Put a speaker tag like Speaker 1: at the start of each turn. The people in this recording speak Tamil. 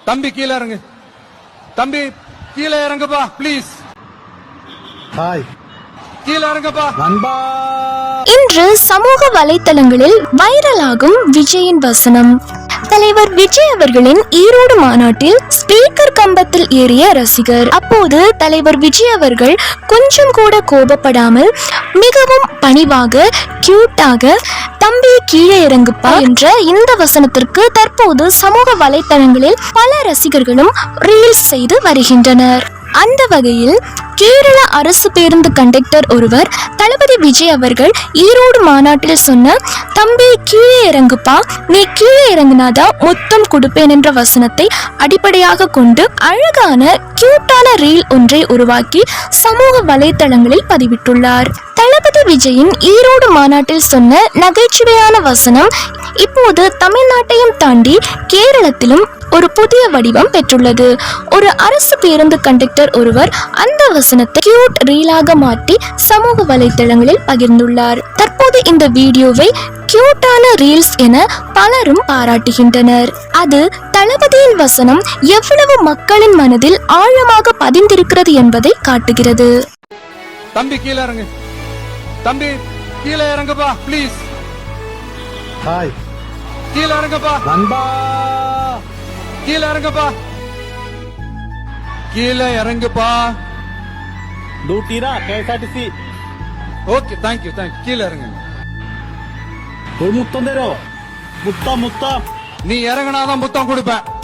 Speaker 1: தம்பி கீழே இறங்கு. தம்பி கீழே இறங்குப்பா ப்ளீஸ்.
Speaker 2: ஹாய்,
Speaker 1: கீழே இறங்குப்பா.
Speaker 2: நண்பா.
Speaker 3: இன்று சமூக வலைத்தளங்களில் வைரலாகும் விஜயின் வசனம். தலைவர் விஜய் அவர்களின் ஈரோடு மாநாட்டில் ஸ்பீக்கர் கம்பத்தில் ஏறிய ரசிகர். அப்போது தலைவர் விஜய் அவர்கள் கொஞ்சம் கூட கோபப்படாமல் மிகவும் பணிவாக கியூட்டாக தம்பி கீழே இறங்குப்பா என்ற இந்த வசனத்திற்கு தற்போது சமூக வலைத்தளங்களில் பல ரசிகர்களும் ரீல்ஸ் செய்து வருகின்றனர். அந்த வகையில் கேரள அரசு பேருந்து கண்டக்டர் ஒருவர் தளபதி விஜய் அவர்கள் ஈரோடு மாநாட்டில் சொன்ன தம்பி கீழே இறங்குப்பா, நீ கீழே இறங்குனாதான் முத்தம் கொடுப்பேன் என்ற வசனத்தை அடிப்படையாக கொண்டு அழகான கியூட்டான ரீல் ஒன்றை உருவாக்கி சமூக வலைத்தளங்களில் பதிவிட்டுள்ளார். தளபதி விஜயின் ஈரோடு மாநாட்டில் சொன்ன நகைச்சுவையான வசனம் இப்போது தமிழ்நாட்டையும் தாண்டி கேரளத்திலும் ஒரு புதிய வடிவம் பெற்றுள்ளது. ஒரு அரசு பேருந்து கண்டக்டர் ஒருவர் அந்த வசனத்தை கியூட் ரீலாக மாற்றி சமூக வலைத்தளங்களில் பகிர்ந்துள்ளார். தற்போது இந்த வீடியோவை கியூட்டான ரீல்ஸ் என பலரும் பாராட்டுகின்றனர். அது தளபதியின் வசனம் எவ்வளவு மக்களின் மனதில் ஆழமாக பதிந்திருக்கிறது என்பதை காட்டுகிறது.
Speaker 1: தம்பி கீழே இறங்கு. தம்பி கீழே இறங்குப்பா ப்ளீஸ்.
Speaker 2: ஹாய்,
Speaker 1: கீழே இறங்குப்பா.
Speaker 2: நண்பா.
Speaker 1: கீழே இறங்குப்பா. கீழே இறங்குப்பா.
Speaker 2: ഡ്യൂട്ടിടാ KSRTC.
Speaker 1: Okay, thank you. கீழே இறங்கு.
Speaker 2: ഒരു മുത്തം തരോ? മുത്തം.
Speaker 1: நீ இறங்கினாதான் முத்தம் கொடுப்பேன்.